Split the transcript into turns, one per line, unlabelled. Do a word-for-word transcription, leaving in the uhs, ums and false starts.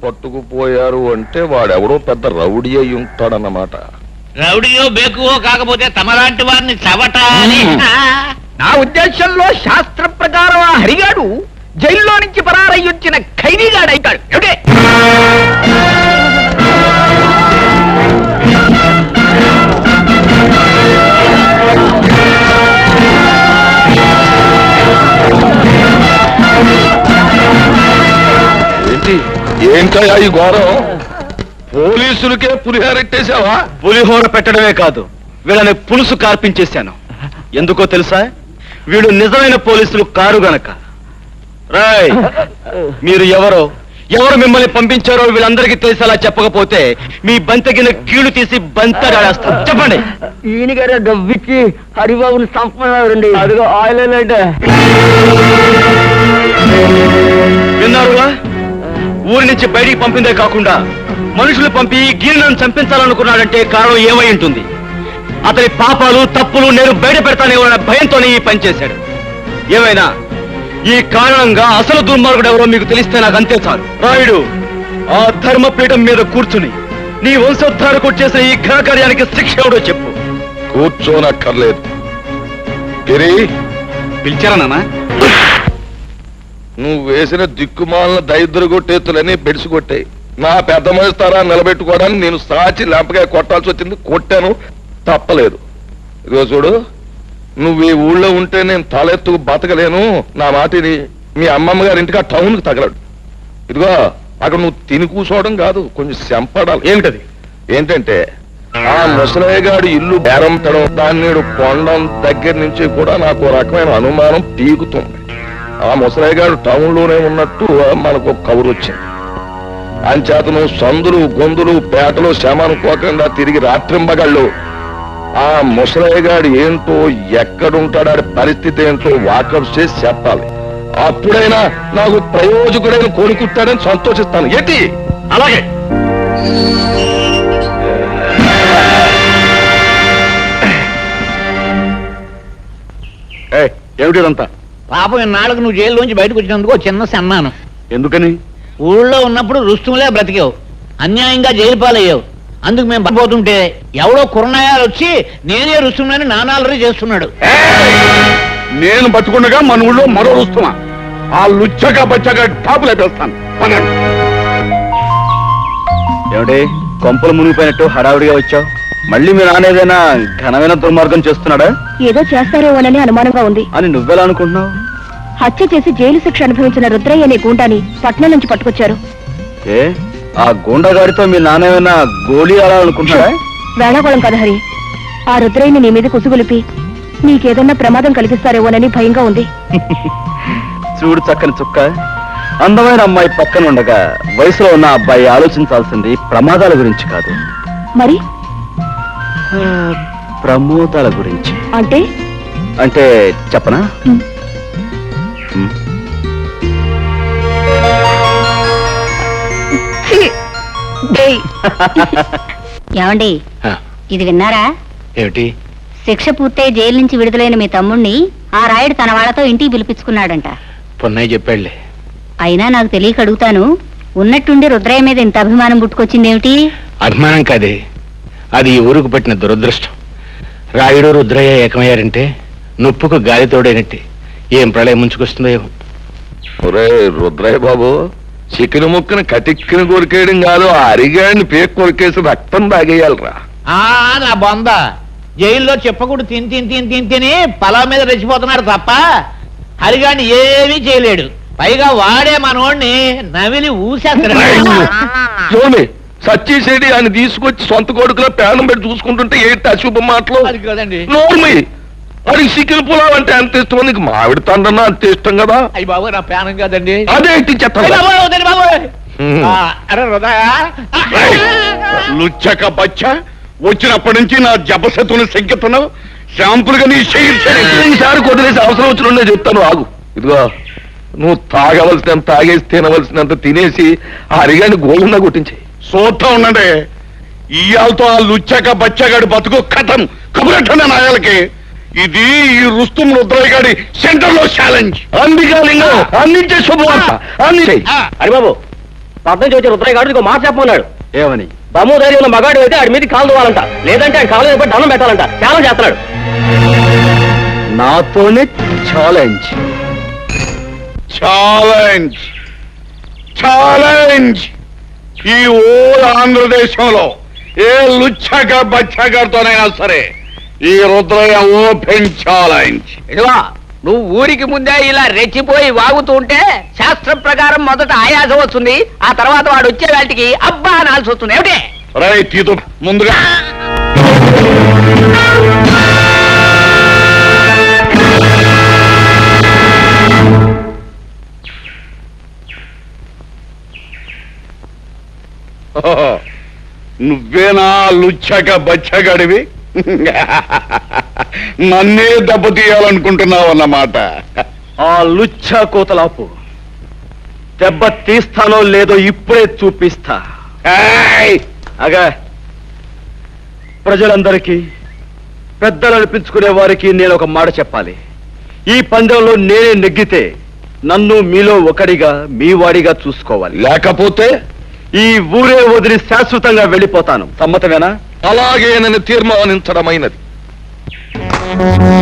పట్టుకుపోయారు అంటే వాడెవడో పెద్ద రౌడీ అయి ఉంటాడన్నమాట.
రౌడీయో బేకువో కాకపోతే తమలాంటి వారిని చవటాలి.
నా ఉద్దేశంలో శాస్త్ర ప్రకారం ఆ హరిగాడు జైల్లో నుంచి పరారయ్యొచ్చిన ఖైదీగాడైతాడు. ఓకే
ఏంటి ఏంటయ్యా ఈ ఘోరం? పోలీసులకే పులిహారెట్టేశావా?
పులిహోర పెట్టడమే కాదు, వీళ్ళని పులుసు కార్పించేశాను. ఎందుకో తెలుసా? వీడు నిజమైన పోలీసులు కారు గనక. రాయ్, మీరు ఎవరో ఎవరు మిమ్మల్ని పంపించారో వీళ్ళందరికీ తెలిసేలా చెప్పకపోతే మీ బంతగిన కీళ్లు తీసి బంతడాడేస్తాను. చెప్పండి.
ఈయన గారు డబ్బిచ్చి హరిబాబుని సంపన్నారండి. అదిగో ఆయిల్ అంటే
విన్నారుగా? ఊరి నుంచి బయటికి పంపిందే కాకుండా మనుషులు పంపి గిరినను చంపించాలనుకున్నాడంటే కారణం ఏమై ఉంటుంది? అతని పాపాలు తప్పులు నేను బయట పెడతానేమన్న భయంతోనే ఈ పని చేశాడు. ఏమైనా ఈ కారణంగా అసలు దుర్మార్గుడు ఎవరో మీకు తెలిస్తే నాకు అంతే చాలు. రాయుడు, ఆ ధర్మపీఠం మీద కూర్చుని నీ వంశోద్ధారకు చేసిన ఈ ఘనకార్యానికి శిక్ష ఎవడో చెప్పు.
కూర్చోనక్కర్లేదు. గిరి,
పిలిచారా నాన్న?
నువ్వు వేసిన దిక్కుమాలిన దైద్రు కొట్టేతులని బెడిసి కొట్టాయి. నా పెద్ద మనిస్తారా నిలబెట్టుకోవడానికి నేను సాచి లెంపకాయ కొట్టాల్సి వచ్చింది. కొట్టాను, తప్పలేదు. ఇదిగో చూడు, నువ్వు ఈ ఊళ్ళో ఉంటే నేను తలెత్తుకు బతకలేను. నా మాటిని మీ అమ్మమ్మ గారి ఇంటికి ఆ టౌన్కి తగలడు. ఇదిగో అక్కడ నువ్వు తిని కూర్చోవడం కాదు, కొంచెం శంపడాలి.
ఏమిటది?
ఏంటంటే ఆ ముసలయ్య గారి ఇల్లు బేరంపడం, దాన్ని కొండం దగ్గర నుంచి కూడా నాకు రకమైన అనుమానం పీకుతుంది. ఆ ముసలయ్య గారు టౌన్ లోనే ఉన్నట్టు మనకు ఒక కబురు వచ్చింది. అంచేతను సందులు గొంతులు పేటలు శమనుకోకుండా తిరిగి రాత్రింబగళ్ళు ఆ ముసలయ్య గారు ఏంటో ఎక్కడుంటాడు పరిస్థితి ఏంటో వాకప్ చేసి చెప్పాలి. అప్పుడైనా నాకు ప్రయోజకుడైన కోరుకుంటాడని సంతోషిస్తాను. ఏంటి?
అలాగే. ఏమిటిదంతా?
పాపం ఇన్నాళ్ళకు నువ్వు జైల్లోంచి బయటకు వచ్చినందుకు చిన్న సన్నాను.
ఎందుకని?
ఊళ్ళో ఉన్నప్పుడు రుస్తుములే బ్రతికావు, అన్యాయంగా జైలు పాలయ్యావు. అందుకు మేము పడిపోతుంటే ఎవడో కుర్రనాయాలు వచ్చి నేనే రుస్తుమని నానాలరీ చేస్తున్నాడు.
నేను బతుకుండగా మన ఊళ్ళో మరో రుస్తుమా? ఆ లుచ్చగా బచ్చగా టాపులు అయిపోతాను. ఏమిటి కొంపలు మునిగిపోయినట్టు హడావుడిగా వచ్చావు? మళ్ళీ మీ నాన్న ఏదైనా ఘనమైన దుర్మార్గం చేస్తున్నాడా?
ఏదో చేస్తారేమోనని అనుమానంగా ఉంది.
అని నువ్వెలా అనుకుంటున్నావు?
హత్య చేసి జైలు శిక్ష అనుభవించిన రుద్రయ్య అనే గూండాని పట్నం నుంచి పట్టుకొచ్చారు.
ఏ ఆ గూండాగాడితో మీ నాన్న ఏమైనా గోళీ ఆడాలనుకుంటున్నాడా?
వేళాకోళం కదా హరి. ఆ రుద్రయ్యని నీ మీద కుసుగులిపి నీకేదన్నా ప్రమాదం కలిగిస్తారేమోనని భయంగా ఉంది.
చూడు చక్కని చుక్క, అందమైన అమ్మాయి పక్కన ఉండగా వయసులో ఉన్న అబ్బాయి ఆలోచించాల్సింది ప్రమాదాల గురించి కాదు,
మరి
ప్రమోదాల గురించి.
అంటే
అంటే చెప్పనా?
ఏమండి, ఇది విన్నారా?
ఏమిటి?
శిక్ష పూర్తయి జైలు నుంచి విడుదలైన మీ తమ్ముణ్ణి ఆ రాయుడు తన వాళ్ళతో ఇంటికి పిలిపించుకున్నాడంట.
పొన్నయ్య చెప్పాడులే.
అయినా నాకు తెలియక అడుగుతాను, ఉన్నట్టుండి రుద్రయ్య మీద ఇంత అభిమానం పుట్టుకొచ్చిందేమిటి?
అభిమానం కాదే, అది ఈ ఊరుకు పట్టిన దురదృష్టం. రాయుడు రుద్రయ్య ఏకమయ్యారంటే నొప్పుకు గాలి తోడైనట్టే. ఏం ప్రళయం ముంచుకొస్తుందో ఏమో.
ఒరే రుద్రయ్య బాబు, చికెన్ ముక్కను కటిక్కిన కొరికేయడం కాదు, ఆ అరిగాడిని పేక్ కొరికేసి రక్తం తాగేయాలరా.
నా బొంద జైల్లో చెప్పకూడదు తిని తిని తిని తిని తిని పొలం మీద రెచ్చిపోతున్నాడు తప్ప హరిగాడిని ఏమీ చేయలేడు. పైగా వాడే మనోడిని నవిలి ఊసేస్తాడు.
సచ్చేసేది ఆయన తీసుకొచ్చి సొంత కొడుకులో పేనం పెట్టి చూసుకుంటుంటే ఏంటి అశుభ మాటలు?
అది కదండి.
నోర్మి, వాడికి చికెన్ పులావ్ అంటే అంత ఇష్టం, నీకు మామిడి తండ్రన్నా అంత ఇష్టం కదా.
అయ్యి బాబు, నా పేనం కదండి.
అదే చెత్త.
అరే హృదయ
లుచ్చక బచ్చ, వచ్చినప్పటి నుంచి నా జపశతుని సంకెత్తున్నావు. శాంపుల్గా నీ
ఈసారి కొద్దిలేసి అవసరం వచ్చిన చెప్తాను, ఆగు. ఇదిగో నువ్వు తాగవలసినంత తాగేసి తినవలసినంత తినేసి ఆ అరిగాని గోళంగా కొట్టించాయి.
సోత్తా ఉండండి. ఇయాలతో ఆ లుచ్చక బచ్చగాడి బతుకు కథం కబురట్టండి నాయాలకి. ఇది ఈ రుస్తుం రుద్రయ్య గారి సెంటర్ లో ఛాలెంజ్.
అందుకే అందించే శుభవార్త.
హరిబాబు, పద్నం వచ్చి రుద్రయ్య గారు ఇంకో మాట చెప్పమన్నాడు. ఏమని? దమ్ము ధైర్యం ఉన్న మగాడు అయితే ఆడి మీద కాలు దువ్వాలంట, లేదంటే ఆయన కాలు మీద దండం పెట్టాలంట. ఛాలెంజ్ చేస్తున్నాడు. నాతోనే ఛాలెంజ్.
ఛాలెంజ్ ఛాలెంజ్ ఈ ఓ ఆంధ్రదేశంలో ఏ లుచ్చగా బచ్చగారితోనైనా సరే ఈ రుద్రయ్య ఓపెన్ ఛాలెంజ్.
ఇదిగో నువ్వు ఊరికి ముందే ఇలా రెచ్చిపోయి వాగుతూ ఉంటే శాస్త్రం ప్రకారం మొదట ఆయాసం వస్తుంది, ఆ తర్వాత వాడు వచ్చే వాటికి అబ్బా అనాల్సి వస్తుంది. ఏమిటి?
రై తీతు ముందుగా ఓహో, నువ్వేనా లుచ్చక బచ్చగడివి? నన్నే దెబ్బతీయాలనుకుంటున్నావు అన్నమాట.
ఆ లుచ్చ కోతలాపు దెబ్బ తీస్తానో లేదో ఇప్పుడే చూపిస్తా.
ఏయ్!
అగా ప్రజలందరికీ పెద్దలు అనిపించుకునే వారికి నేను ఒక మాట చెప్పాలి. ఈ పందెంలో నేనే నెగ్గితే నన్ను మీలో ఒకడిగా మీ వాడిగా చూసుకోవాలి,
లేకపోతే
ఈ ఊరే వదిలి శాశ్వతంగా వెళ్ళిపోతాను. సమ్మతమేనా?
అలాగే నన్ను తీర్మానించడమైనది.